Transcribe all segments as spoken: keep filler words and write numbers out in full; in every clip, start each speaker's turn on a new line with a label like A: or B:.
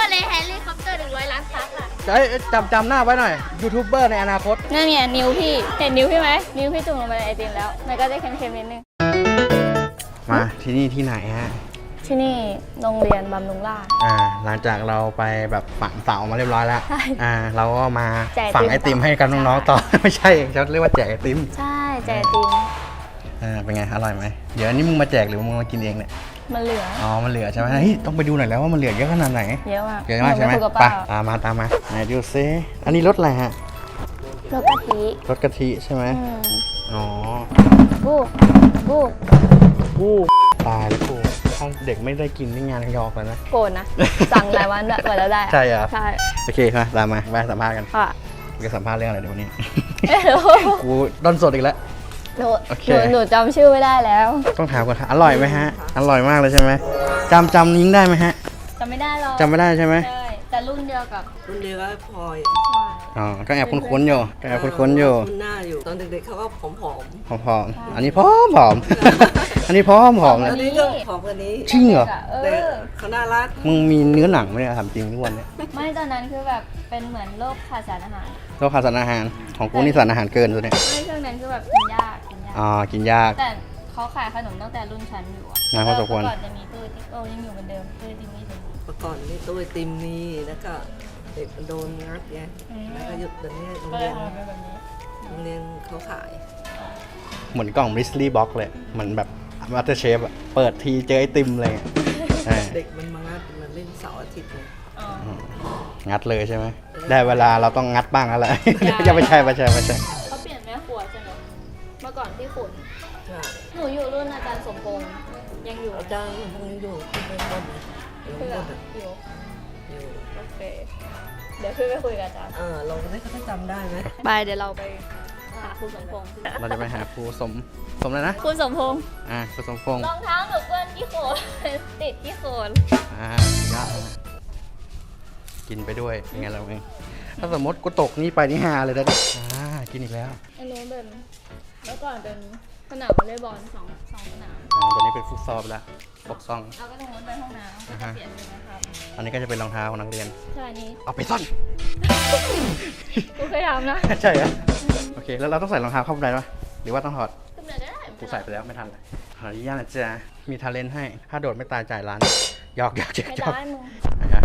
A: มาเลยแฮร์รี่คอปเตอร์หนึ่งร้อยล้านซับอ่ะ
B: จำจำหน้าไว้หน่อยยูทูบเบอร์ในอนาคต
A: นั่นเนี่ยนิ้วพี่เห็นนิ้วพี่ไหมนิ้วพี่จุ่มลงไปในไอติมแล้วมันก็จะเค็มๆนิดนึง
B: มาที่นี่ที่ไหนฮะ
A: ที่นี่โรงเรียนบำรุงราษฎร์
B: อ่าหลังจากเราไปแบบฝังเสามาเรียบร้อยแล้ว
A: ใช่
B: อ่าเราก็มา
A: แจกไอติม
B: ฝังไอติมให้กับน้องๆต่อ ไม่ใช่เขาเรียกว่าแจกไอติม
A: ใช่แจกไอติม
B: อ่าเป็นไงอร่อยไหมเดี๋ยวอันนี้มึงมาแจกหรือมึงมากินเองเนี่ย
A: มันเหลือ
B: อ๋อมันเหลือใช่ไหมเฮ้ยต้องไปดูหน่อยแล้วว่ามันเหลือเยอะขนาดไหน
A: เยอะมาก
B: เยอะมากใช่ไหม
A: นูคุยกับ
B: ไป
A: ป้า
B: ตามมาตามมาไหนดูซิอันนี้รสอะไรฮะ
A: รสกะทิ
B: รสกะทิใช่ไหม
A: อืม
B: อ๋อ
A: บูบู
B: กูตายแล้วกูถ้าเด็กไม่ได้กินนี่งานยอกแล้วนะ
A: โกรธนะ สั่งหลายวันด้วยกว่าแล้วได้อะ
B: ใช่เหรอ
A: ใช่
B: โอเคมาตามมาไปสัมภาษณ์กัน
A: ค่ะ
B: จะสัมภาษณ์เรื่องอะไรเดี๋ยววันนี้
A: ไม่รู้
B: กูด้นสดอีกแล้ว
A: หนู
B: โอเค
A: หนูหนูจำชื่อไม่ได้แล้ว
B: ต้องถามก่อนค่ะอร่อยไหมฮะ อร่อยมากเลยใช่ไหมจำจำนิ้งได้ไหมฮะ
A: จำไม่ได้หรอก
B: จำไม่ได้ใช่ไหม
A: ใช่แต่รุ่นเดียวกับ
C: รุ่นเดียวกับพลอย
B: อ๋อก็แอบคุ้นๆอยู่ก็แอบคุ้นๆอยู่
C: คุ้นหน้าอยู่ ตอนเด็กๆเขาก็ผอม
B: ผอมๆอันนี้พร้อมผอม อันนี้พร้อมผอม
C: ๆ
B: เลย
C: อันนี้ก็ผอมกว่านี้
B: จริงเหรอ
A: เอ
C: แต่
A: อ
C: เขาน่ารัก
B: มึงมีเนื้อหนังไหมเนี่ยถามจริงทุกวันเนี่ย
A: ไม่ตอนนั้นคือแบบเป็นเหมือนโรคขาดสารอาหาร
B: โรคขาดสารอาหารของกูนี่สารอาหารเกินตัวเนี่ย
A: ไม่ช่วงนั้นคือแบบกินยากกินยาก
B: อ๋อกินยาก
A: แต่เขาขายขนมตั้งแต่รุ่นชั้นอยู่อะ
B: นะพอสมควร
A: เมื่อก่อนจะมีตู้ไอติมโอ้ยังอยู่เหมือนเดิมตู้ไอติมนี่ถึง
C: เมื่อก่อนนี่ตู้ไอติมนี่แล้วก็เด็กมันโดนงัดไง
A: อืม
C: แล้วก็หยุดตรงนี้โรง
A: ก็เล
C: เรี
A: ย
C: ยน
A: ทำเป็นแบบนี้
C: โรงเรียนเขาขาย
B: เหมือนกล่องบริสลี่บ็อกเลยเหมือนแบบมาสเตอร์เชฟอะเปิดทีเจอไอติมเลยเออ
C: เด็กมันมางัดมันเล่นเสาร์อาทิตย์เลย
A: อ๋อ
B: งัดเลยใช่ไหมได้เวลาเราต้องงัดบ้างแล้วแหละ อย่าไปใช่ไม่ใช่ไม่ใช่
A: เขาเปลี่ยนแม่ครัวใช่ไหมเมื่อก่อนที่ขุน
C: ใช่
A: หนูอยู่รุ่นอาจารย์สมพงษ์ยังอยู่
C: อาจารย์พวกนี้อยู่ที่เมืองบนนะเมือง
A: เพื่
C: บ
A: อน
C: นอ่ะ
A: อยู่
C: อยู่
A: โอเคเดี๋ยวขึ้นไปคุยกับอาจารย์
C: เออเราได้เขาจำได้ไหม
A: ไปเดี๋ยวเราไปหาครูสมพงษ์
B: เราจะไปหาครูสมสมแล้วนะ
A: ครูสมพงษ์
B: อ่าครูสมพงษ์
A: รองเท้าหนูเปื้อนที่โคน ติดที่โคน
B: อ่าเยอะนะกินไปด้วยเป็นไงเราเองถ้าสมมติกูตกนี่ไปนี่ฮาเลยนะอ่ากินอีกแล้ว
A: อันนู้นเป็นเมื่อก่อนเป็นสนามวอลเลย์บอลสองสองสนาม
B: อ๋อตอนนี้เป็นฟุตซอลไปแล้วปกซอง
A: เอาก็ตรงนู้นเป็นห้องน้ำก็จะเปลี่ยนเลยนะครับ
B: อันนี้ก็จะเป็นรองเท้าของนักเรียน
A: ใช่อันนี้
B: เอาไปซ่อน
A: กูเคยทำนะ
B: ใช่เหรอโอเค แล้วเราต้องใส่รองเท้าเข้าไปไหมหรือว่าต้องถอด
A: ขึ้นเลยก็ได้
B: กูใส่ไปแล้วไม่ทันเลยขออนุญาตนะจ๊ะมีทาเลนต์ให้ ถ้าโดดไม่ตายจ่ายร้านหยอกหยอกหยอก
A: ไม่
B: หยอก
A: ได้มึง
B: อ่ะ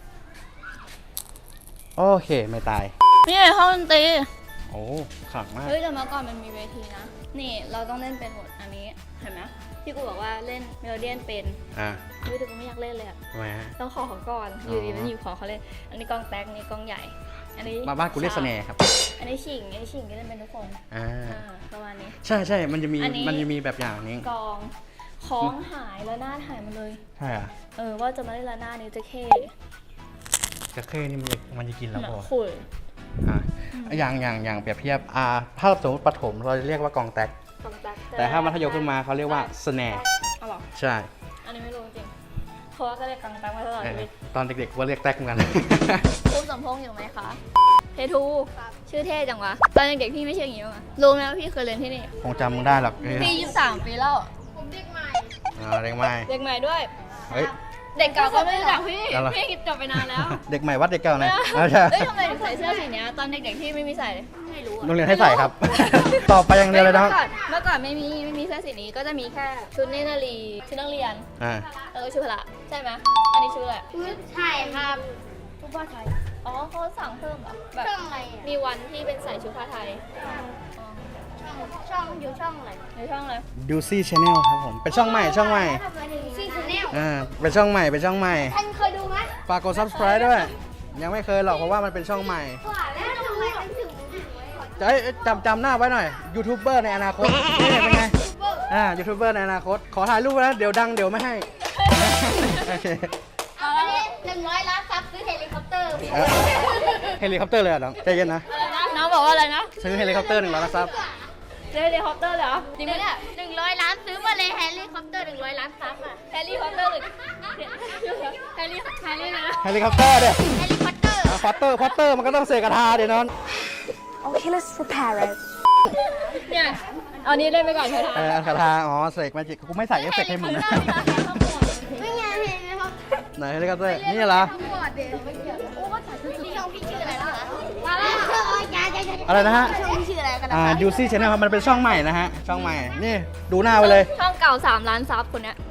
B: โอเค ไม่ตาย
A: นี่ห้องดนตรี
B: โอ้ขลังมาก
A: เฮ้ยแต่เมื่อก่อนมันมีเวทีนะ นี่เราต้องเล่นเป็นหมดอันนี้เห็นไหมที่กูบอกว่าเล่นเมโลเดียนเป็น
B: อ่า
A: เฮ้ยแต่กูไม่อยากเล่นเลยอะ
B: ทำไมฮะ
A: ต้องขอเขาก่อนอยู่ดีมันอยู่ขอเขาเล่นอันนี้กล้องแต๊กอันนี้กล้องใหญ่ อันนี้
B: มาบ้านกูเรียกสแนร์ครับ
A: อันนี้ฉิงอันนี้ฉิงก็เล่นเป็นทุกคน
B: อ่า
A: อ่าประมาณนี้
B: ใช่ใช่มันจะมี
A: อันนี้
B: มันจะมีแบบอย่างนี้
A: กองของหายแล้วหน้าหายมาเลย
B: ใช่อ่ะ
A: เออว่าจะมาเล่นละหน้านี้จะเข้
B: กระเข้นี่มันจะมันจะกินแล้ว
A: หนั
B: พ
A: ก
B: อ
A: ขุ่ย
B: อ่าอย่างอย่างอย่างเปรียบเทียบอ่าถ้าสมมติประถมเราจะเรียกว่ากองแตก
A: กองแต๊ก
B: แต่ถ้ามัธยมขึ้นมาเขาเรียกว่าสแนร์
A: เอาเหรอ
B: ใช่
A: อันนี้ไม่รู้จริงเพราะว่าก็เรียกกองแต๊กมาตลอด
B: เอ
A: ชี
B: อ
A: วิต
B: ตอนเด็กๆว่าเรียกแตกเหมือนกัน
A: ครูสมพงษ์อยู่ไหมคะเททูชื่อเท่จังวะตอนเด็กๆพี่ไม่ชื่ออย่างนี้มั้งอะรู้ไหมว่าพี่เคยเรียนที่นี่
B: คงจำมึงได้หรอกเออ
A: พี่ยี่สิบสามปีแล้ว
B: อ่าเด็กใหม่
A: เด็กใหม่ด้วย
B: เฮ้ย
A: เด็กเก่าก็ไม่รู้จักพี่
B: เอาเหรอ
A: พี่จบไปนานแล้ว
B: เด็กใหม่วัดเด็กเก่าหน่อย
A: เ
B: เอาใช่
A: อ้ยทำไมถึงใส่เสื้อสีเนี้ยตอนเด็กๆที่ไม่มีใส่เลยไม่รู้อะ
B: โรงเรียนให้ใส่ครับ ต่อไปอย่างเดียวเลยน้อง
A: เมื่อก่อนเมื่อก่อนไม่มีไม่มีเสื้อสีนี้ก็จะมีแค่ชุดเนตรนารีชุดนักเรียน
B: อ่า
A: แล้วก็ชุดพละใช่ไหมอันนี้ชุดอะไร
D: ใช่ครับ
A: ชุดผ้าไทยอ๋อเขาสั่งเพิ่มเหรอแบบ
D: ช่องอะไรอ่ะ
A: มีวันที่เป็นใส่ชุดผ้าไทยอ๋อ
D: ช่องช่องอยู่ช่องอะไร
A: ในช่องเลย
B: ดูซี่ชาแนลครับผม เป็นช่องใหม่ช่องใหม่
D: ทำไมถึงซีชาแนล
B: อ่า เป็นช่องใหม่ เป็นช่องใหม่
D: ท่านเคยดูไหม
B: ฝากกด subscribe ด้วย ยังไม่เคยหรอกเพราะว่ามันเป็นช่องใหม่
D: กว่าแล้วทำไมมันถึงถึงไว้ก่อน
B: จะให้จำจำหน้าไว้หน่อย ยูทูบเบอร์ในอนาคต นี่เป็นไง อ่า ยูทูบเบอร์ในอนาคต ขอถ่ายรูปนะ เดี๋ยวดังเดี๋ยวไม่ให้ โอเค
D: เอาไปเลยหนึ่งร้อยล้านซับซื้อเฮลิคอปเตอร์
B: เอ้ยเฮลิคอปเตอร์เลยเหรอ่ะน้องใจเย็นนะ
A: อะไรนะน้องบอกว่าอะไรนะ
B: ซื้อเฮลิคอปเตอร์หนึ่งร้อยซับ
A: เฮลิคอปเตอร์เหรอจริงไหมเนี่ย
D: หนึ่งร้อยล้านซื้อมาเลยแฮร์รี่คอปเตอร์หนึ่งร้อยล้านซับอ่ะ
A: เฮลิคอปเตอร์หรือเฮลิเฮลินะ
B: เฮลิคอปเตอร์เดี๋ยว
D: แฮร์รี่คอปเตอร์
B: พอตเตอร์พอตเตอร์มันก็ต้องเสกกระทาเดี๋ยวนอน
D: Okay let's prepare it
A: เนี่ยเอานี้เล่นไปก่อนเถอะ
B: เออกระทา อ๋อเสกมาจิกกูไม่ใส่เอฟเฟกต์ให้มึงนะ
D: ไม่ไงเฮลิคอปเตอร์
B: ไหนเฮลิคอปเตอร์นี่เหรอ
D: ช่องพี่ชื่ออะไรนะคะมาแล้วยายยายยาย
B: อะไรนะฮะ
D: ช่องพี่ชื่ออะไรกันนะ
B: อ่า
D: คะ
B: ยูซี่ชแนลครับมันเป็นช่องใหม่นะฮะช่องใหม่นี่ดูหน้าไปเลย
A: ช่องเก่าสามล้านซับคนเนี้ย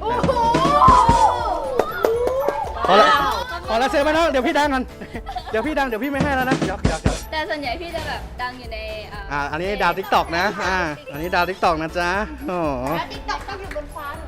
B: พอละพอละเซฟไปน้องเดี๋ยวพี่ดังกันเดี๋ยวพี่ดังเดี๋ยวพี่ไม่ให้แล้วนะเดี๋ยวเดี๋ยวเดี๋ยว
A: แต่ส่วนใหญ่พี่จะแบบดังอยู่ในอ่า
B: อ่าอันนี้ดาวทิกตอกนะอ่าอันนี้ดาวทิกตอกนะจ๊ะโอ้โห
D: ติ๊กต็อกต้องอยู่บนฟ้าหนู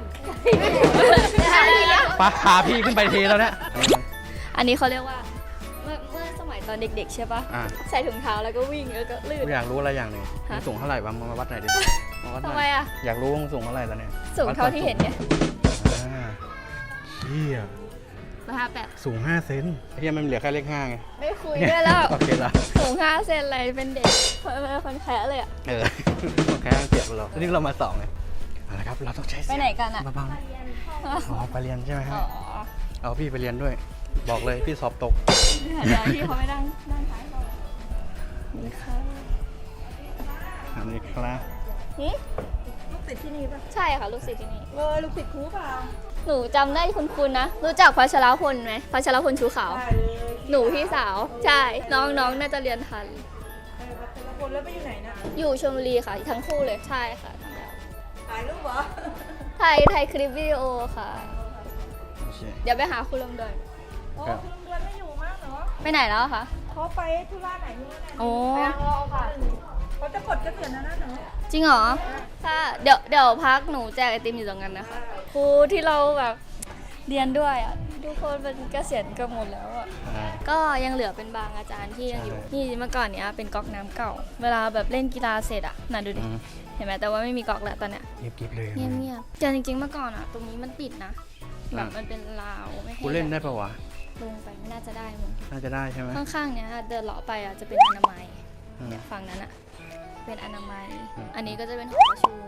B: ปาพาพี่ขึ้นไปทีแล้วเนี่ย
A: อันนี้เขาเรียกว่าเมื่อเมื่อสมัยตอนเด็กๆใช่ปะ
B: อ่า
A: ใส่ถุงเท้าแล้วก็วิ่งแล้วก็ลื่น
B: กูอยากรู้อะไรอย่างหนึ่ง
A: ฮะ
B: มึงสูงเท่าไหร่บ้างมาวัดหน่อยดิมาวัดหน่
A: ทำไม
B: อย
A: อะ
B: อยากรู้ว่ามึงสูงเท่าไหร่แล้วเนี่ย
A: สูงเท่าที่เห็นเนี่ย
B: อ่าเฮีย
A: มาห้าแปด
B: สูงห้าเซนเฮียมันเหลือแค่เลขห้าไง
A: ไม่คุยด้วยแล้ว
B: โอเคแล้ว
A: สูงห้าเซนอะไรเป็นเด็กเป็นคนแค่เลยอะ
B: เออโอเคเจ็บเรานี่เรามาสองเลยเอาละครับเราต้องใช้
A: ไปไหนกันอะ
B: เบาๆอ๋อไปเรียนใช่ไหมฮะ
A: อ๋อ
B: เอาพี่ไปเรียนด้วย บอกเลยพี่สอบตก
A: เดี๋ยวพี่เขาไม่นั่งนั่งท้ายเรานี่ค่ะ
B: อันนี้ครับ
A: นี่
E: ลูกศิษย์ที่นี่ป่ะ
A: ใช่ค่ะลูกศิษย์ที่นี่
E: เออลูกศิษย์ครูเปล่า
A: หนูจำได้คุณคุณนะ รู้จักพัชรพลไหมพัชรพลชูขาว
E: ได้เลย
A: หนูพี่สาว ใช่ น้องน้องน่าจะเรียนทัน
E: เออแต่ละคนแล้วไปอยู่ไหนนะ
A: อยู่ชลบุรีค่ะ ทั้งคู่เลย ใช่ค่ะทั้งแล้ว
E: ถ่ายรูปเหรอ
A: ไทยไทยคลิปวิดีโอค่ะ
B: โอเค
A: เดี๋ยวไปหาคุณลมเดิน
E: โอ้
B: ครับ
E: คุณลุงเดือนไม่อยู่มากเหรอ
A: ไปไหนแล้วคะ
E: เขาไปธุระไหนนี่นะ
A: โอ้
E: เขาจะปลดเกษียณแล้วนะหนู
A: จริงเหรอถ้าเดี๋ยวเดี๋ยวพักหนูแจกไอติมอยู่ตรงนั้นนะคะ ครูที่เราแบบเรียนด้วยอ่ะ ทุกคนเป็นเกษียณกันหมดแล้วอ่ะ
B: อ่า
A: ก็ยังเหลือเป็นบางอาจารย์ที่ยังอยู่
B: ใช่
A: นี่เมื่อก่อนเนี้ยเป็นก๊อกน้ำเก่า เวลาแบบเล่นกีฬาเสร็จอ่ะน่ะดูดิ
B: อืม
A: เห็นไหมแต่ว่าไม่มีก๊อกแล้วตอนเนี้ย
B: เงียบๆเลย
A: เงียบๆแต่จริงๆเมื่อก่อนอ่ะ ตรงนี้มันปิดนะ แบบมันเป็นราวไม่ให้
B: กูเล่นได้ปะวะ
A: ลงไปไม่น่าจะได้มั้ง
B: น่าจะได้ใช่ไหม
A: ข้างๆเนี้ยเดินเลาะไปอ่ะจะเป็นอนามัย
B: อืม
A: เนี่ยฝั่งนั้นอ่ะ เป็นอนามัย
B: อืม
A: อันนี้ก็จะเป็นหอประชุม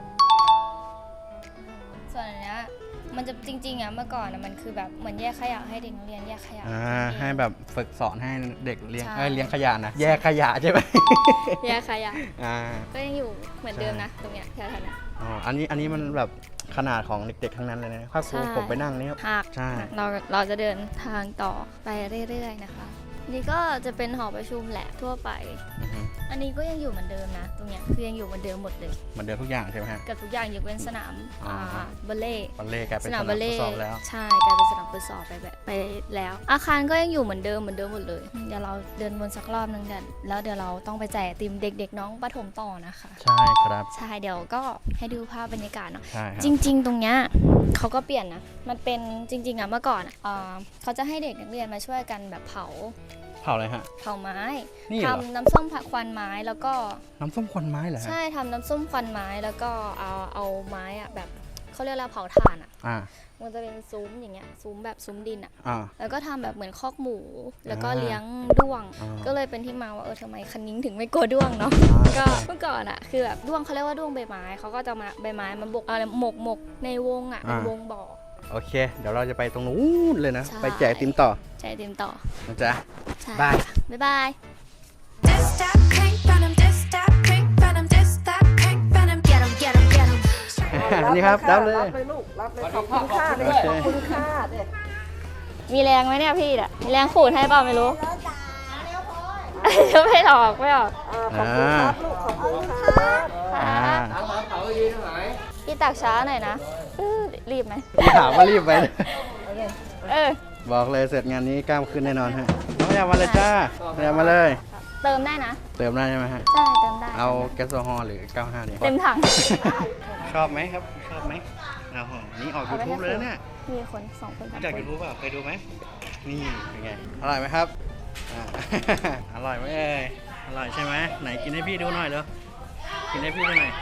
A: ส่วนอันเนี้ยมันจะจริงๆอ่ะเมื่อก่อนอ่ะมันคือแบบเหมือนแยกขยะให้เด็กนักเรียนแยกขยะ
B: อ่า
A: เอง
B: ให้แบบฝึกสอนให้เด็กเลี้ยง
A: ใช่
B: เอ้ยเลี้ยงขยะนะแยกขยะใช่ไหม
A: แยกขยะ
B: อ่า
A: ก็ยังอยู่เหมือนเดิมนะตรงเนี้ยแถวๆเนี้ย
B: อ๋ออันนี้อันนี้มันแบบขนาดของเด็กๆทั้งนั้นเลยนะถ้าครู
A: ใช่
B: ผมไปนั่งนี่
A: หาก
B: ใช่
A: เราเราจะเดินทางต่อไปเรื่อยๆนะคะ นี่ก็จะเป็นหอประชุมแหละทั่วไป
B: อือฮึ
A: อันนี้ก็ยังอยู่เหมือนเดิมนะ ตรงเนี้ยคือยังอยู่เหมือนเดิมหมดเลย
B: เหมือนเดิมทุกอย่างใช่ไหมฮะ
A: กับทุกอย่างยกเว้นสนาม
B: อ๋ออ่
A: าบัลเล่ต์
B: บัลเล่ต์กลายเป็น
A: ส
B: ส
A: นาม
B: นาม
A: บัล
B: ฟุ
A: เล่
B: ตซอลแล้ว
A: ใช่กลายเป็นสนามฟุตซอลไปแบบไปแล้ว อาคารก็ยังอยู่เหมือนเดิมเหมือนเดิมหมดเลย เดี๋ยวเราเดินวนสักรอบนึงเดี๋ยวแล้วเดี๋ยวเราต้องไปแจกไอติมเด็ก ๆ น้องประถมต่อนะคะ
B: ใช่ครับ
A: ใช่เดี๋ยวก็ให้ดูภาพบรรยากาศเนาะ
B: ใช่ครับ
A: จริง ๆ ตรงเนี้ยเขาก็เปลี่ยนนะ มันเป็นจริง ๆอะเมื่อก่อนอะเอ่อเขาจะให้เด็กนักเรียนมาช่วยกันแบบเผา
B: เผาอะไรฮะ
A: เผาไม้
B: นี่เหรอ
A: ทำน้ำส้มผักควันไม้แล้วก็
B: น้ำส้มควันไม้เหรอฮะ
A: ใช่ทำน้ำส้มควันไม้แล้วก็เอาเอาไม้อะแบบเขาเรียกว่าเผาถ่านอะ
B: อ่า
A: มันจะเป็นซุ้มอย่างเงี้ยซุ้มแบบซุ้มดินอะ
B: อ่า
A: แล้วก็ทำแบบเหมือนคอกหมู แล้วก็
B: อ่า
A: เลี้ยงด้วง
B: อ่า
A: ก็เลยเป็นที่มาว่าเออทำไมคันนิ้งถึงไม่กลัวด้วงเนาะ
B: อ่า
A: ก็เมื่อก่อนอะคือแบบด้วงเขาเรียกว่าด้วงใบไม้เขาก็จะมาใบไม้มาบกอะไรหมกหมกในวงอะเป็นวงบ่อ
B: โอเค เดี๋ยวเราจะไปตรงนู้นเลยนะ
A: ใช่
B: ไปแจกไอติมต่อ
A: ใจเต็มต่อ
B: นะจ๊ะ
A: ใช่
B: บาย
A: บ๊ายบาย
F: This that pink venom, this that pink venom, this that pink venom. Get 'em, get 'em, get 'em.
B: นี่ครับรับเลย
E: รับเลยลูก รับเลยขอบคุณค่าเลย
B: โอเค
E: ขอบคุณค่าเด็ก
A: มีแรงไหมเนี่ยพี่อะมีแรงขูดให้เปล่าไม่รู้ จะไม่ออกไม่ออก
E: ขอบคุณครับลูก ขอบคุณครับ
B: อ่า
A: พี่ตักช้าหน่อยนะอื้อรีบไหม
B: พี่ถามว่ารีบไป
A: เออ
B: บอกเลยเสร็จงานนี้กล้ามขึ้นแน่นอนฮะน้องอยากมาเลยจ้าอยากมาเลย
A: เติมได้นะ
B: เติมได้ใช่ไหมฮะ
A: ใช่เติมได้
B: เอาแก๊สโซฮอล์หรือ เก้าสิบห้าดี
A: เต็มถัง
B: ชอบไหมครับ ชอบไหมเอาหอนี่ออก
A: เอาไปให้
B: YouTube เลยนะเนี่ย
A: มีคนสองคนสาม
B: จาก
A: คน
B: YouTube เปล่าเคยดูไหมนี่เป็นไง อร่อยไหมครับอ่า อร่อยไหมเอ่ยอร่อยใช่ไหมไหนกินให้พี่ดูหน่อยเร็วกินให้พี่ดูหน่อย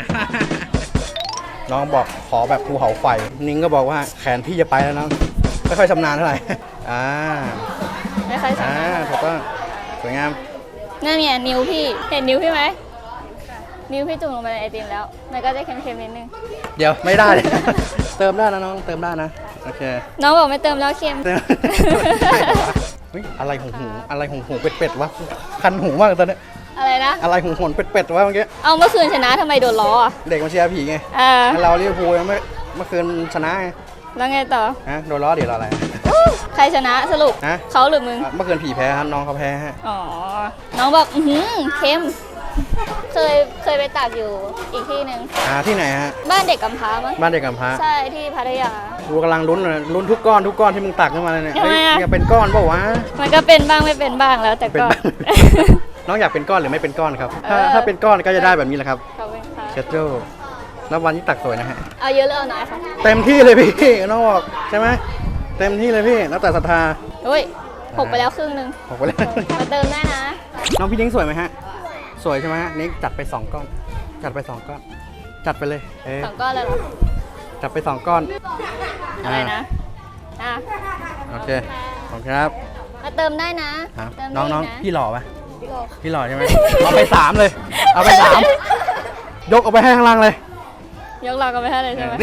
B: น้องบอกขอแบบภูเขาไฟ นิ้งก็บอกว่าแขนพี่จะไปแล้วน้องไม่ค่อยชำนาญเท่าไหร่ อ่า
A: ไม่ค่อยสา
B: อ่าม
A: ารถ
B: ถูกต้องสวยงาม
A: นั่นเนี่ยนิ้วพี่ เห็นนิ้วพี่ไหม นิ้วพี่จุ่มลงไปในไอติมแล้ว มันก็จะเค็มๆนิดนึง
B: เดี๋ยวไม่ได้ เติมได้นะน้องเติมได้นะโอเค
A: น้องบอกไม่เติมแล้วเค็ม
B: เติม เฮ้ยอะไรหงหูอะไรหงหูเป็ดๆวะคันหูมากตอนนี้
A: อะไรนะ
B: อะไรหงหนเป็ดๆวะเมื่อกี้
A: เอาเมื่อคืนชนะทำไมโดนล้ออ่ะ
B: เด็กมาเชียร์ผีไง
A: เออ
B: ให้เราลิเวอร์พูลยังไม่เมื่อคืนชนะไง
A: แล้วไงต่อ
B: ฮะโดนล้อเดี๋ยวเราอะไร
A: ใครรชนะสรุป
B: ฮะ
A: เขาหรือมึง
B: อ่ะเมื่อคืนผีแพ้ครับน้องเขาแพ้ฮะ
A: อ๋อ น้องบอกอือหือเค็ม เคยเคยไปตักอยู่อีกที่หนึ่ง
B: อ่าที่ไหนฮะ
A: บ้านเด็กกำพร้ามั้ง
B: บ้านเด็กกำพร้า
A: ใช่ที่พัทยา
B: กูกำลังลุ้นเลยลุ้นทุกก้อนทุกก้อนที่มึงตักขึ้นมาเลยเนี่ย
A: ทำไมอะ
B: เฮ้ยเนี่ยเป็นก้อนเปล่าวะ
A: มันก็เป็นบ้างไม่เป็นบ้างแล้วแต่
B: เป็น
A: ก็
B: บ้าง น้องอยากเป็นก้อนหรือไม่เป็นก้อนครับ ถ้า
A: เออ
B: ถ้าเป็นก้อนก็จะได้แบบนี้แหละครับ
A: ขอบคุณค่ะ
B: เชดโจ้แล้ววันนี้ตักสวยนะฮะ
A: เอาเยอะหรือเอาน้อยคะ
B: เต็มที่เลยพี่น้องบอกใช่ไหมเต็มที่เลยพี่แล้วแต่ศรัทธา
A: อุ้ยหกไปแล้วครึ่งหนึง
B: บอกไปแล้ว
A: มาเติมได้นะ
B: น้องพี่นิ้งสวยไหมฮะ สวยใช่ไหมฮะนิ้งจัดไปสองก้อน จัดไปสองก้อน จัดไปเลยเอ๊ะ
A: สองก้อนเลยเหรอ
B: จัดไปสองก้อน
A: อะไรนะ อ่ะ
B: โอเคขอบคุณครับ
A: มาเติมได้นะ
B: ครับ
A: เติมได้
B: น้องน้อง
A: นะ
B: พี่หล่อไหม
A: พี่โล
B: พี่หล่อใช่ไหม เอาไปสามเลย เอาไปสามยกเอาไปให้ข้างล่างเลย
A: ยกเรากันไปให้เลยใช่ไหม
B: นี่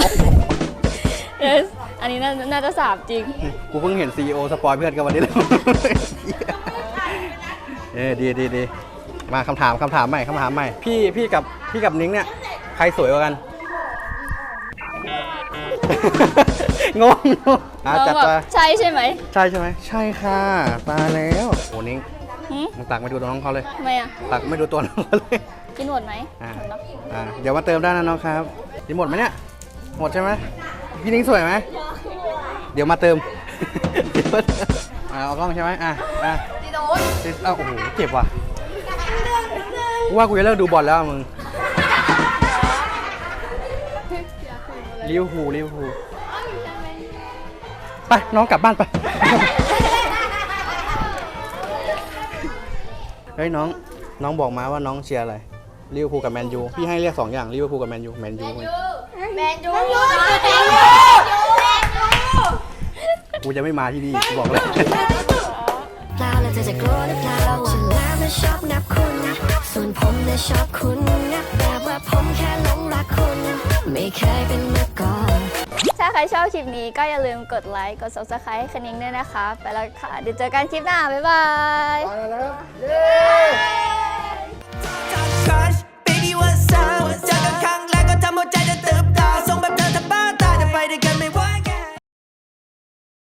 A: Yes อันนี้น่าน่าจะสามจริง
B: กูเพิ่งเห็นซีอีโอสปอยเพื่อนกันวันนี้เลย เออดีดีดีมาคำถามคำถามใหม่คำถามใหม่ พี่พี่กับพี่กับนิ้งเนี่ย ใครสวยกว่ากัน งงอ่ะ
A: น้อง
B: จัด
A: บอก
B: ไป
A: ใช่ใช่ไหม
B: ใช่ใช่ไหมใช่ค่ะตายแล้วโอ้นิ้ง
A: หืม
B: มึงตักไม่ดูตัวน้องเขาเลย
A: ทำไมอ่ะ
B: ตักไม่ดูตัวน้องเขาเลย
A: กินหมดไหม
B: อ่า
A: หมดเนอะ
B: อ่าเดี๋ยวมาเติมได้นะน้องครับกินหมดไหมเนี่ยหมดใช่ไหมพี่นิ้งสวยไหมเดี๋ยวมาเติม เดี๋ยวมาเติมอ่าเอากล้องใช่ไหมอ่ะอ่ะตีโดนอ้าวโอ้โหเจ็บว่ะกูว่ากูจะเลิกดูบอลแล้วอะมึงลิเวอร์พูลลิเวอร์พูลไปน้องกลับบ้านไป เฮ้ยน้องน้องบอกมาว่าน้องเชียร์อะไรลิเวอร์พูลกับแมนยูพี่ให้เรียกสองอย่างลิเวอร์พูลกับแมนยูแมนยู
D: แมนยู
B: กูจะไม่มาที่นี่กูบอกเลย
F: เปล่าแล้วเธอจะกลัวหรือเปล่าฉันแล้วนะชอบนับคุณ ส่วนผมนะชอบคุณนะแต่ว่าผมแค่หลงรักคุณ ไม่เคยเป็นมาก่อน
A: ถ้าใครชอบคลิปนี้ก็อย่าลืมกดไลค์ กด ซับสไครบ์ ให้คณิงด้วยนะคะ ไปแล้วค่ะ เดี๋ยวเจอกันคลิปหน้า บ๊ายบาย
B: ไปแล้ว